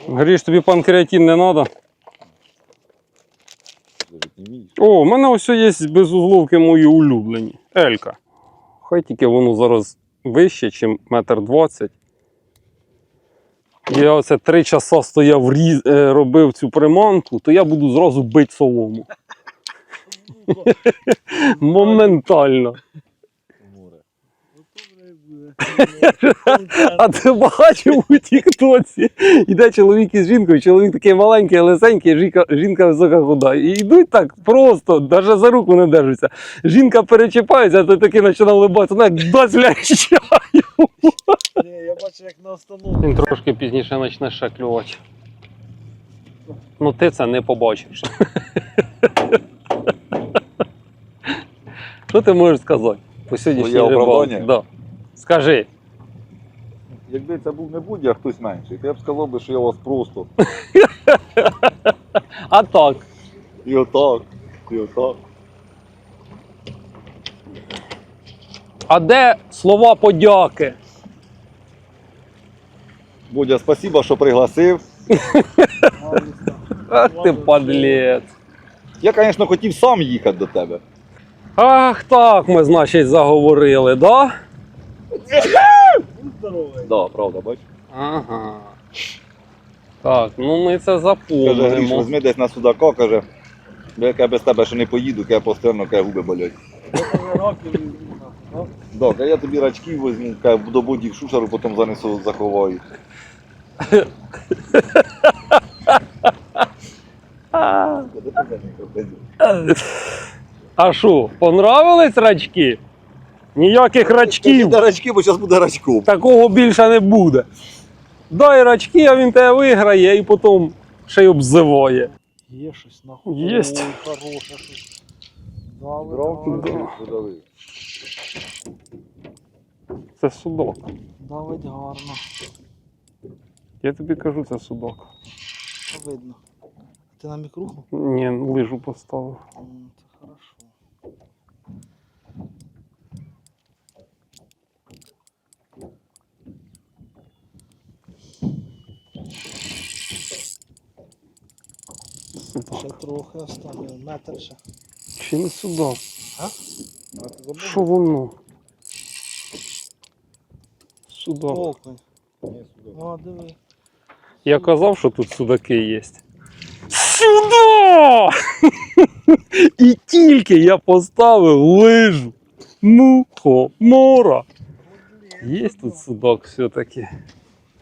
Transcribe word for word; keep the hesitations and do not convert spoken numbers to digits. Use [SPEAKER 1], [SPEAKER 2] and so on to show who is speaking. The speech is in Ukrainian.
[SPEAKER 1] Гріш, тобі панкреатин не треба? О, у мене ось є безузловки мої улюблені. Елька. Хай тільки воно зараз вище, ніж метр двадцять. Я оце три часа стояв, різ... робив цю приманку, то я буду зразу бити солому. Моментально. А ти бачив у тіктоці? Іде чоловік із жінкою, чоловік такий маленький, лисенький, жінка, жінка висока худа. І йдуть так просто, навіть за руку не держаться. Жінка перечіпається, а той такий починає улибатися, вона як дасть лящаю.
[SPEAKER 2] Ні, я бачу, як на остановці.
[SPEAKER 1] Він трошки пізніше почне ще клювати. Ну ти це не побачиш. Що ти можеш сказати по сьогоднішній
[SPEAKER 3] Своє
[SPEAKER 1] рибалці?
[SPEAKER 3] оправдання?
[SPEAKER 1] Да. Скажи.
[SPEAKER 3] Якби це був не будь, а хтось менший, то я б сказав би, що я вас просто.
[SPEAKER 1] А так.
[SPEAKER 3] І отак, і отак.
[SPEAKER 1] А де слова подяки?
[SPEAKER 3] Будя, спасибо, що пригласив.
[SPEAKER 1] Ах ти падлець.
[SPEAKER 3] Я, звісно, хотів сам їхати до тебе.
[SPEAKER 1] Ах так ми, значить, заговорили, да?
[SPEAKER 2] Будь здоровий.
[SPEAKER 3] Да, правда, бач.
[SPEAKER 1] Ага. Так, ну ми це
[SPEAKER 3] Каже, Гріш,
[SPEAKER 1] запомнимо.
[SPEAKER 3] візьми десь на судака, каже, як я без тебе ще не поїду, я постійно каже, губи болять.
[SPEAKER 2] Я тебе років візьму. Ну,
[SPEAKER 3] Да, каже, я тобі рачків візьму, каже, до боді в шушеру, потім занесу, заховаю.
[SPEAKER 1] А що, понравились рачки? Ніяких рачків.
[SPEAKER 3] Дай рачки, бо зараз буде рачком.
[SPEAKER 1] Такого більше не буде. Дай рачки, а він тебе виграє і потім ще й обзиває.
[SPEAKER 2] є щось нахуй.
[SPEAKER 1] Єсть.
[SPEAKER 2] Ой, хороше щось. Дави,
[SPEAKER 3] Дров,
[SPEAKER 2] дави.
[SPEAKER 3] подавив.
[SPEAKER 1] Це судок.
[SPEAKER 2] Давить гарно.
[SPEAKER 1] Я тобі кажу, це судок.
[SPEAKER 2] Що видно? Ти на мікруху?
[SPEAKER 1] Ні, лижу поставив.
[SPEAKER 2] М, Це хорошо. Ще
[SPEAKER 1] Судак.
[SPEAKER 2] трохи оставили, метр ще.
[SPEAKER 1] Чи не судак?
[SPEAKER 2] А?
[SPEAKER 1] Що воно? Судак.
[SPEAKER 2] Окунь. О, диви.
[SPEAKER 1] Я казав, що тут судаки є. Сюда! І тільки я поставив лижу. Мухомора. Є тут судак все-таки.